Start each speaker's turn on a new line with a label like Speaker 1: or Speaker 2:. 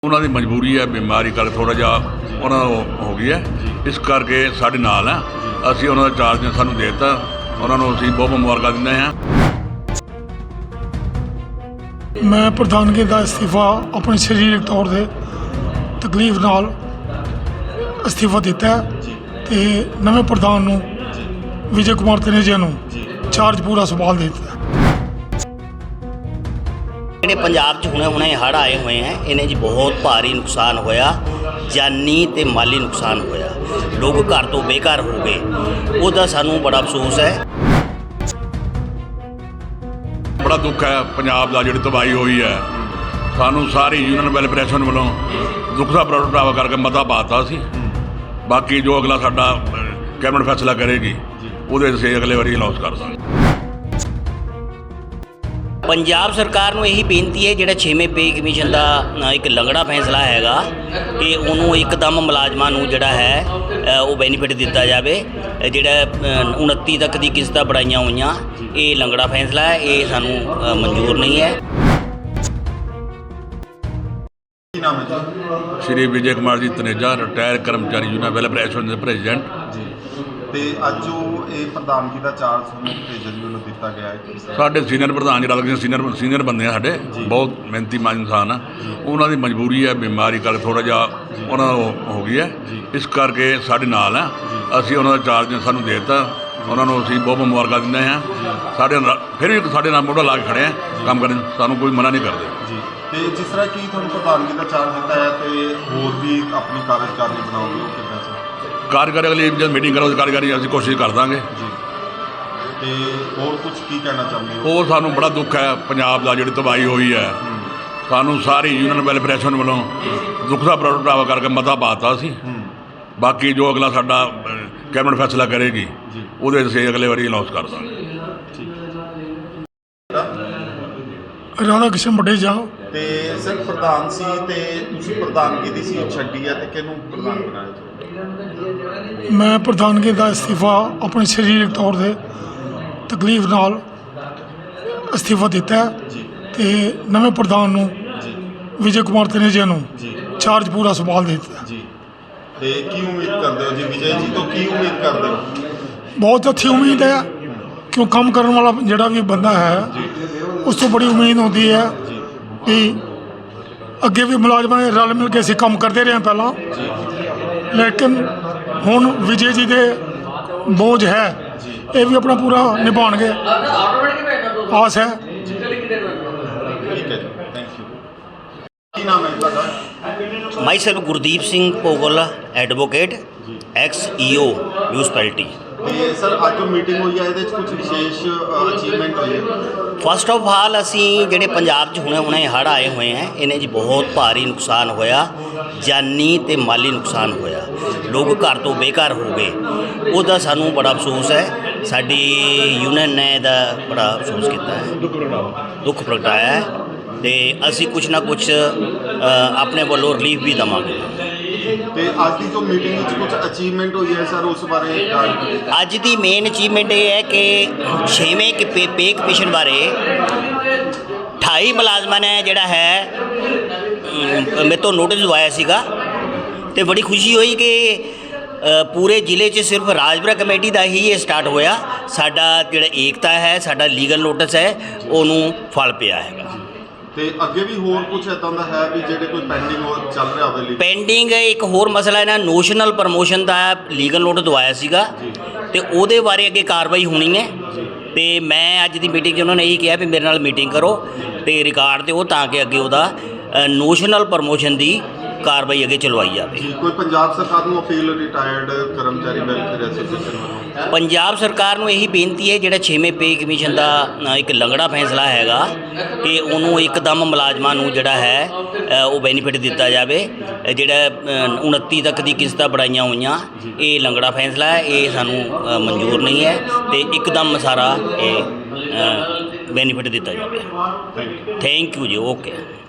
Speaker 1: ਉਹਨਾਂ ਦੀ ਮਜਬੂਰੀ ਹੈ, ਬਿਮਾਰੀ ਕਰਕੇ ਥੋੜ੍ਹਾ ਜਿਹਾ ਉਹਨਾਂ ਨੂੰ ਹੋ ਗਈ ਹੈ, ਇਸ ਕਰਕੇ ਸਾਡੇ ਨਾਲ ਹੈ। ਅਸੀਂ ਉਹਨਾਂ ਦਾ ਚਾਰਜ ਸਾਨੂੰ ਦੇ ਦਿੱਤਾ, ਉਹਨਾਂ ਨੂੰ ਅਸੀਂ ਬਹੁਤ ਮੁਬਾਰਕਾਂ ਦਿੰਦੇ ਹਾਂ।
Speaker 2: ਮੈਂ ਪ੍ਰਧਾਨਗੀ ਦਾ ਅਸਤੀਫਾ ਆਪਣੇ ਸਰੀਰਕ ਤੌਰ 'ਤੇ ਤਕਲੀਫ ਨਾਲ ਅਸਤੀਫਾ ਦਿੱਤਾ ਤੇ ਨਵੇਂ ਪ੍ਰਧਾਨ ਨੂੰ ਵਿਜੇ ਕੁਮਾਰ ਤਨੇਜਾ ਨੂੰ ਚਾਰਜ ਪੂਰਾ ਸੰਭਾਲ ਦਿੱਤਾ।
Speaker 3: ਜਿਹੜੇ ਪੰਜਾਬ 'ਚ ਹੁਣੇ ਹੜ੍ਹ ਆਏ ਹੋਏ ਹੈ, ਇਹਨੇ ਜੀ ਬਹੁਤ ਭਾਰੀ ਨੁਕਸਾਨ ਹੋਇਆ, ਜਾਨੀ ਤੇ ਮਾਲੀ ਨੁਕਸਾਨ ਹੋਇਆ। ਲੋਕ ਘਰ ਤੋਂ ਬੇਘਰ ਹੋ ਗਏ, ਉਹਦਾ ਸਾਨੂੰ ਬੜਾ ਅਫਸੋਸ ਹੈ।
Speaker 1: ਬੜਾ ਦੁੱਖ ਹੈ ਪੰਜਾਬ ਦਾ, ਜਿਹੜੀ ਤਬਾਹੀ ਹੋਈ ਹੈ। ਸਾਨੂੰ ਸਾਰੀ ਯੂਨੀਅਨ ਵੈਲਫੇਅਰ ਵੱਲੋਂ ਦੁੱਖ ਦਾ ਪ੍ਰਗਟਾਵਾ ਕਰਕੇ ਮਤਾ ਪਾਤਾ ਸੀ। ਬਾਕੀ ਜੋ ਅਗਲਾ ਸਾਡਾ ਕੈਬਨਿਟ ਫੈਸਲਾ ਕਰੇਗੀ, ਉਹਦੇ ਅਸੀਂ ਅਗਲੇ ਵਾਰੀ ਅਨਾਉਂਸ ਕਰ ਦਾਂਗੇ।
Speaker 3: ਪੰਜਾਬ ਸਰਕਾਰ ਨੂੰ ਇਹੀ ਬੇਨਤੀ ਹੈ, ਜਿਹੜਾ 6ਵੇਂ ਪੇ ਕਮਿਸ਼ਨ ਦਾ ਇੱਕ ਲੰਗੜਾ ਫੈਸਲਾ ਹੈਗਾ ਕਿ ਉਹਨੂੰ ਇੱਕਦਮ ਮੁਲਾਜ਼ਮਾਂ ਨੂੰ ਜਿਹੜਾ ਹੈ ਉਹ ਬੈਨੀਫਿਟ ਦਿੱਤਾ ਜਾਵੇ। ਜਿਹੜਾ 29 ਤੱਕ ਦੀ ਕਿਸ਼ਤਾਂ ਬੜਾਈਆਂ ਹੋਈਆਂ, ਇਹ ਲੰਗੜਾ ਫੈਸਲਾ ਹੈ, ਇਹ ਸਾਨੂੰ ਮਨਜ਼ੂਰ ਨਹੀਂ ਹੈ।
Speaker 1: ਸ਼੍ਰੀ ਵਿਜੇ ਕੁਮਾਰ ਜੀ ਤਨੇਜਾ, ਰਿਟਾਇਰ ਕਰਮਚਾਰੀ ਯੂਨੀਅਨ ਵੈਲਫੇਅਰ ਐਸੋਸੀਏਸ਼ਨ ਦੇ ਪ੍ਰੈਜ਼ੀਡੈਂਟ
Speaker 4: ਜੀ। ਤੇ ਅੱਜ ਜੋ ਇਹ ਪ੍ਰਧਾਨਗੀ ਦਾ ਚਾਰਜ ਤੁਹਾਨੂੰ ਭੇਜਣ ਵੱਲੋਂ ਦਿੱਤਾ ਗਿਆ ਹੈ, ਸਾਡੇ
Speaker 1: ਸੀਨੀਅਰ ਪ੍ਰਧਾਨ ਜੀ ਸੀਨੀਅਰ ਬੰਦੇ ਆ, ਸਾਡੇ ਬਹੁਤ ਮਿਹਨਤੀ ਇਨਸਾਨ ਆ। ਉਹਨਾਂ ਦੀ ਮਜਬੂਰੀ ਹੈ, ਬਿਮਾਰੀ ਕਰਕੇ ਥੋੜ੍ਹਾ ਜਿਹਾ ਉਹਨਾਂ ਨੂੰ ਹੋ ਗਈ ਹੈ, ਇਸ ਕਰਕੇ ਸਾਡੇ ਨਾਲ ਹੈ। ਅਸੀਂ ਉਹਨਾਂ ਦਾ ਚਾਰਜ ਸਾਨੂੰ ਦੇ ਦਿੱਤਾ, ਉਹਨਾਂ ਨੂੰ ਅਸੀਂ ਬਹੁਤ ਮੁਬਾਰਕਾਂ ਦਿੰਦੇ ਹਾਂ। ਸਾਡੇ ਨਾਲ ਫਿਰ ਵੀ ਸਾਡੇ ਨਾਲ ਮੋਢਾ ਲਾ ਕੇ ਖੜ੍ਹੇ ਆ ਕੰਮ ਕਰਨ, ਸਾਨੂੰ ਕੋਈ ਮਨਾ ਨਹੀਂ ਕਰਦੇ
Speaker 4: ਜੀ। ਤੇ ਜਿਸ ਤਰ੍ਹਾਂ ਕਿ ਤੁਹਾਨੂੰ ਪ੍ਰਧਾਨਗੀ ਦਾ ਚਾਰਜ ਦਿੱਤਾ ਹੈ, ਤੇ ਹੋਰ ਵੀ ਆਪਣੀ ਕਾਰਜਕਾਰੀ ਬਣਾਓਗੇ, ਉਹ ਕਿੱਦਾਂ ਸਰ? ਕਾਰਜਕਾਰੀ
Speaker 1: ਅਗਲੀ ਜਦ ਮੀਟਿੰਗ ਕਰੋ, ਕਾਰਜਕਾਰੀ ਅਸੀਂ ਕੋਸ਼ਿਸ਼ ਕਰ ਦਾਂਗੇ
Speaker 4: ਜੀ। ਤੇ ਹੋਰ ਕੁਝ ਕੀ ਕਹਿਣਾ ਚਾਹੁੰਦੇ ਹੋ?
Speaker 1: ਉਹ ਸਾਨੂੰ ਬੜਾ ਦੁੱਖ ਹੈ ਪੰਜਾਬ ਦਾ, ਜਿਹੜੀ ਤਬਾਹੀ ਹੋਈ ਹੈ। ਸਾਨੂੰ ਸਾਰੀ ਯੂਨੀਅਨ ਵੈਲਫੇਅਰ ਐਸੋਸੀਏਸ਼ਨ ਵੱਲੋਂ ਦੁੱਖ ਦਾ ਪ੍ਰਗਟਾਵਾ ਕਰਕੇ ਮਤਾ ਪਾਤਾ ਸੀ। ਬਾਕੀ ਜੋ ਅਗਲਾ ਸਾਡਾ ਕੈਬਨਿਟ ਫੈਸਲਾ ਕਰੇਗੀ, ਉਹਦੇ ਅਸੀਂ ਅਗਲੇ ਵਾਰੀ ਅਨਾਉਂਸ ਕਰ ਦਾਂਗੇ।
Speaker 2: ਰਾਧਾ ਕ੍ਰਿਸ਼ਨ ਬਟੇਜਾ।
Speaker 4: ਤੇ ਸਰ ਪ੍ਰਧਾਨ ਸੀ ਤੇ ਤੁਸੀਂ ਪ੍ਰਧਾਨਗੀ ਦੀ ਸੀਟ ਛੱਡੀ ਹੈ, ਤੇ ਕਿਹਨੂੰ ਪ੍ਰਧਾਨ ਬਣਾਇਆ?
Speaker 2: ਮੈਂ ਪ੍ਰਧਾਨਗੀ ਦਾ ਅਸਤੀਫਾ ਆਪਣੇ ਸਰੀਰਕ ਤੌਰ 'ਤੇ ਤਕਲੀਫ ਨਾਲ ਅਸਤੀਫਾ ਦਿੱਤਾ ਤੇ ਨਵੇਂ ਪ੍ਰਧਾਨ ਨੂੰ ਵਿਜੇ ਕੁਮਾਰ ਤਨੇਜਾ ਨੂੰ ਚਾਰਜ ਪੂਰਾ ਸੰਭਾਲ ਦਿੱਤਾ।
Speaker 4: ਜੀ। ਤੇ ਕੀ ਉਮੀਦ ਕਰਦੇ ਹੋ ਜੀ ਵਿਜੇ ਜੀ ਤੋਂ? ਕੀ ਉਮੀਦ ਕਰਦੇ ਹੋ?
Speaker 2: ਬਹੁਤ ਅੱਛੀ ਉਮੀਦ ਹੈ, ਕਿਉਂ ਕੰਮ ਕਰਨ ਵਾਲਾ ਜਿਹੜਾ ਵੀ ਬੰਦਾ ਹੈ, ਉਸ ਤੋਂ ਬੜੀ ਉਮੀਦ ਹੁੰਦੀ ਹੈ ਕਿ ਅੱਗੇ ਵੀ ਮੁਲਾਜ਼ਮਾਂ ਨੇ ਰਲ ਮਿਲ ਕੇ ਅਸੀਂ ਕੰਮ ਕਰਦੇ ਰਹੇ ਪਹਿਲਾਂ, ਲੇਕਿਨ ਹੁਣ ਵਿਜੇ ਜੀ ਦੇ ਬੋਝ ਹੈ, ਇਹ ਵੀ ਆਪਣਾ ਪੂਰਾ ਨਿਭਾਉਣਗੇ, ਆਸ ਹੈ।
Speaker 4: ਠੀਕ ਹੈ ਜੀ, ਥੈਂਕ ਯੂ। ਕੀ ਨਾਮ ਹੈ ਤੁਹਾਡਾ?
Speaker 3: Myself Gurdeep Singh Bhogal, advocate, ex EO municipality.
Speaker 4: ਤੇ ਸਰ ਅੱਜ ਜੋ ਮੀਟਿੰਗ ਹੋਈ ਹੈ, ਇਹਦੇ 'ਚ ਕੁਝ ਵਿਸ਼ੇਸ਼ ਅਚੀਵਮੈਂਟ ਹੋਈ ਹੈ?
Speaker 3: ਫਸਟ ਆਫ ਆਲ, ਅਸੀਂ ਜਿਹੜੇ ਪੰਜਾਬ 'ਚ ਹੁਣੇ ਹੜ੍ਹ ਆਏ ਹੋਏ ਹੈ, ਇਹਨੇ ਜੀ ਬਹੁਤ ਭਾਰੀ ਨੁਕਸਾਨ ਹੋਇਆ, ਜਾਨੀ ਤੇ ਮਾਲੀ ਨੁਕਸਾਨ ਹੋਇਆ। ਲੋਕ ਘਰ ਤੋਂ ਬੇਘਰ ਹੋ ਗਏ, ਉਹਦਾ ਸਾਨੂੰ ਬੜਾ ਅਫਸੋਸ ਹੈ। ਸਾਡੀ ਯੂਨੀਅਨ ਨੇ ਇਹਦਾ ਬੜਾ ਅਫਸੋਸ ਕੀਤਾ ਹੈ, ਦੁੱਖ ਪ੍ਰਗਟਾਇਆ ਹੈ, ਤੇ ਅਸੀਂ ਕੁਛ ਨਾ ਕੁਛ ਆਪਣੇ ਵੱਲੋਂ ਰਿਲੀਫ ਵੀ ਦੇਵਾਂਗੇ।
Speaker 4: ਤੇ ਅੱਜ ਦੀ ਜੋ ਮੀਟਿੰਗ ਵਿੱਚ ਕੁਝ ਅਚੀਵਮੈਂਟ ਹੋਈ ਹੈ ਸਰ, ਉਸ ਬਾਰੇ?
Speaker 3: ਅੱਜ ਦੀ ਮੇਨ ਅਚੀਵਮੈਂਟ ਇਹ ਹੈ ਕਿ 6ਵੇਂ ਪੇ ਕਮਿਸ਼ਨ ਬਾਰੇ 28 ਮੁਲਾਜ਼ਮਾਂ ਨੇ ਜਿਹੜਾ ਹੈ ਮੇਰੇ ਤੋਂ ਨੋਟਿਸ ਦਵਾਇਆ ਸੀਗਾ, ਤੇ ਬੜੀ ਖੁਸ਼ੀ ਹੋਈ ਕਿ ਪੂਰੇ ਜ਼ਿਲ੍ਹੇ 'ਚ ਸਿਰਫ ਰਾਜਪੁਰਾ ਕਮੇਟੀ ਦਾ ਹੀ ਇਹ ਸਟਾਰਟ ਹੋਇਆ। ਸਾਡਾ ਜਿਹੜਾ ਏਕਤਾ ਹੈ, ਸਾਡਾ ਲੀਗਲ ਨੋਟਿਸ ਹੈ, ਉਹਨੂੰ ਫਲ ਪਿਆ ਹੈਗਾ।
Speaker 4: ਤੇ ਅੱਗੇ ਵੀ ਹੋਰ ਕੁਝ ਇਦਾਂ ਦਾ ਹੈ ਵੀ ਜਿਹੜੇ ਕੋਈ ਪੈਂਡਿੰਗ ਹੋ ਚੱਲ ਰਿਹਾ ਹੋਵੇ?
Speaker 3: ਪੈਂਡਿੰਗ ਇੱਕ ਹੋਰ ਮਸਲਾ ਇਹਨਾਂ ਨੋਸ਼ਨਲ ਪ੍ਰਮੋਸ਼ਨ ਦਾ ਲੀਗਲ ਨੋਟਿਸ ਦਵਾਇਆ ਸੀਗਾ, ਤੇ ਉਹਦੇ ਬਾਰੇ ਅੱਗੇ ਕਾਰਵਾਈ ਹੋਣੀ ਹੈ। ਤੇ ਮੈਂ ਅੱਜ ਦੀ ਮੀਟਿੰਗ 'ਚ ਉਹਨਾਂ ਨੇ ਇਹੀ ਕਿਹਾ ਵੀ ਮੇਰੇ ਨਾਲ ਮੀਟਿੰਗ ਕਰੋ ਤੇ ਰਿਕਾਰਡ ਦਿਓ, ਤਾਂ ਕਿ ਅੱਗੇ ਉਹਦਾ ਨੋਸ਼ਨਲ ਪ੍ਰਮੋਸ਼ਨ ਦੀ ਕਾਰਵਾਈ ਅੱਗੇ ਚਲਵਾਈ ਜਾਵੇ।
Speaker 4: ਕੋਈ ਪੰਜਾਬ ਸਰਕਾਰ ਨੂੰ ਅਪੀਲ ਰਿਟਾਇਰਡ ਕਰਮਚਾਰੀ ਵੈਲਫੇਅਰ ਐਸੋਸੀਏਸ਼ਨ ਵੱਲੋਂ?
Speaker 3: ਪੰਜਾਬ ਸਰਕਾਰ ਨੂੰ ਇਹੀ ਬੇਨਤੀ ਹੈ, ਜਿਹੜਾ 6ਵੇਂ ਪੇ ਕਮਿਸ਼ਨ ਦਾ ਇੱਕ ਲੰਗੜਾ ਫੈਸਲਾ ਹੈਗਾ ਕਿ ਉਹਨੂੰ ਇੱਕਦਮ ਮੁਲਾਜ਼ਮਾਂ ਨੂੰ ਜਿਹੜਾ ਹੈ ਉਹ ਬੈਨੀਫਿਟ ਦਿੱਤਾ ਜਾਵੇ। ਜਿਹੜਾ 29 ਤੱਕ ਦੀ ਕਿਸ਼ਤਾਂ ਬੜਾਈਆਂ ਹੋਈਆਂ, ਇਹ ਲੰਗੜਾ ਫੈਸਲਾ ਹੈ, ਇਹ ਸਾਨੂੰ ਮਨਜ਼ੂਰ ਨਹੀਂ ਹੈ, ਤੇ ਇੱਕਦਮ ਸਾਰਾ ਇਹ ਬੈਨੀਫਿਟ ਦਿੱਤਾ ਜਾਵੇ। ਥੈਂਕ ਯੂ ਜੀ। ਓਕੇ।